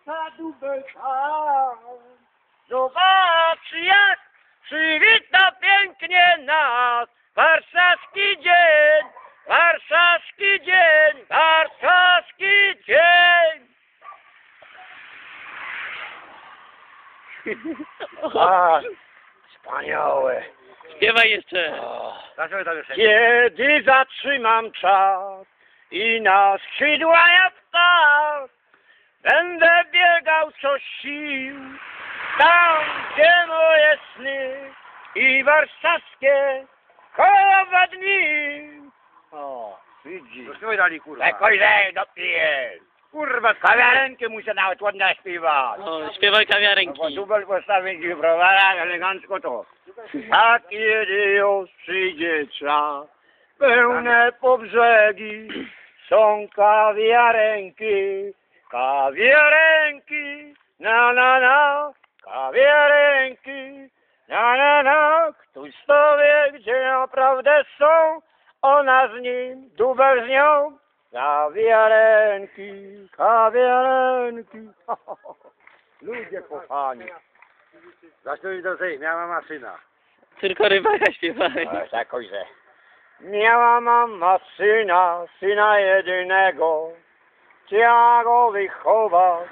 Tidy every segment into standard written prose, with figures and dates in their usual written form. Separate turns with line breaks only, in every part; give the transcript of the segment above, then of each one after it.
za dubelka. Zobacz, jak przywita pięknie nas warszawski dzień, warszawski dzień, warszawski dzień. A, wspaniałe.
Śpiewaj jeszcze.
Kiedy zatrzymam czas i na skrzydła jak ptak, będę biegał co sił, tam gdzie moje sny i warszawskie kolorowe dni. O, widzisz.
Zaśpiewaj dalej, kurwa.
Tak ojej, dopiję.
Kurwa,
Kawiarenki muszę nawet ładnie śpiewać.
O, śpiewaj
No bo
kawiarenki.
dubel postawić i browara, elegancko to. A kiedy już przyjdzie czas, pełne po brzegi są kawiarenki, kawiarenki, na na na, kawiarenki, na na na. Ktoś to wie, gdzie naprawdę są, ona z nim, dubel z nią. Kawiarenki, kawiarenki. Ludzie kochani.
zaśpiewaj do tej, miała maszyna.
Tylko rybaka śpiewaj.
Jakoś, że miała mama syna jedynego, chciała go wychować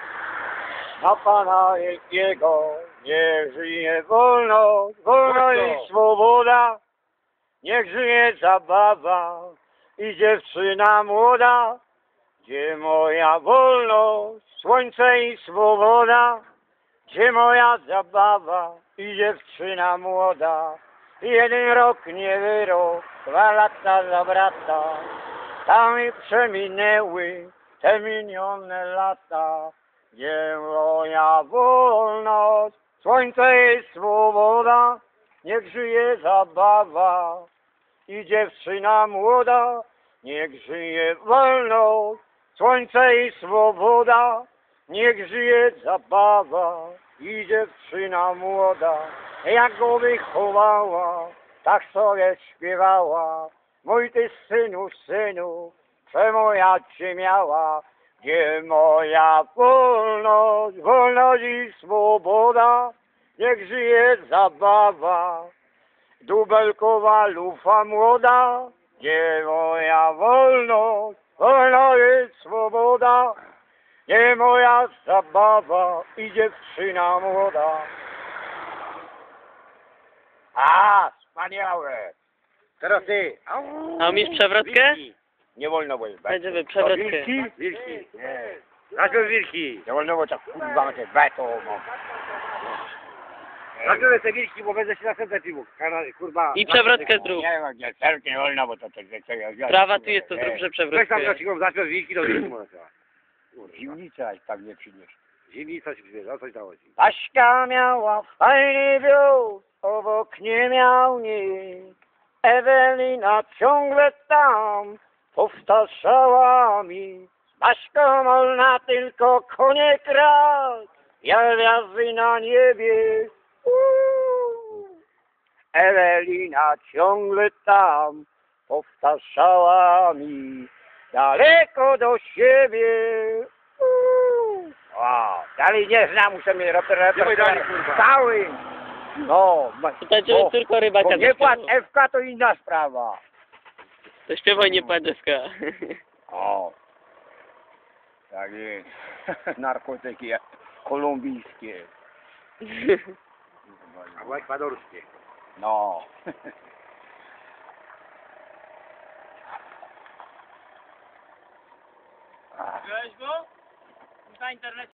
na Pana wielkiego. Niech żyje wolność, wolność i swoboda, niech żyje zabawa i dziewczyna młoda. Gdzie moja wolność, słońce i swoboda, gdzie moja zabawa i dziewczyna młoda. Jeden rok nie wyrok, 2 lata zawraca, tam i przeminęły te minione lata. Gdzie moja wolność, słońce i swoboda, niech żyje zabawa i dziewczyna młoda. Niech żyje wolność, słońce i swoboda, niech żyje zabawa i dziewczyna młoda. Jak go wychowała, tak sobie śpiewała. Mój ty synu, synu, przemoja cię miała. Gdzie moja wolność, wolność i swoboda, niech żyje zabawa, dubelkowa lufa młoda. Gdzie moja wolność, wolność i swoboda, gdzie moja zabawa i dziewczyna młoda. A, wspaniałe.
Teraz ty.
A umiesz przewrotkę?
Nie wolno było.
Będziemy przewrotkę.
Wilki?
Wilki. Zaśpiewaj wilki.
Nie wolno było tak kurwa te beto.
Zaśpiewaj te wilki, bo będę się następne piwo. Kurwa.
I przewrotkę zrób.
Nie, serce nie wolno, bo to
Prawa tu jest, to zrób, że
Weź tam
przewrotkę.
do ciebie, zaśpiewaj wilki do wilki. Kurwa.
Zimnica tak nie przyniesie.
Zimnica się przybiera, coś dało ci.
Aśka miała fajny wióz, obok nie miał nikt. Ewelina ciągle tam powtarzała mi. Z Aśką można tylko konie krać, ja gwiazdy na niebie. Ewelina ciągle tam powtarzała mi. Daleko do siebie. O, dalej nie znam, muszę mieć
Śpiewaj dalej, kurwa.
cały. No,
To będziemy tylko rybaka
bo nie płacz
zaśpiewał.
FK to inna sprawa.
To śpiewaj, nie płaczewka.
O, tak jest. Narkotyki kolumbijskie.
Albo ekwadorskie.
No.
Widziałeś go? Na internecie.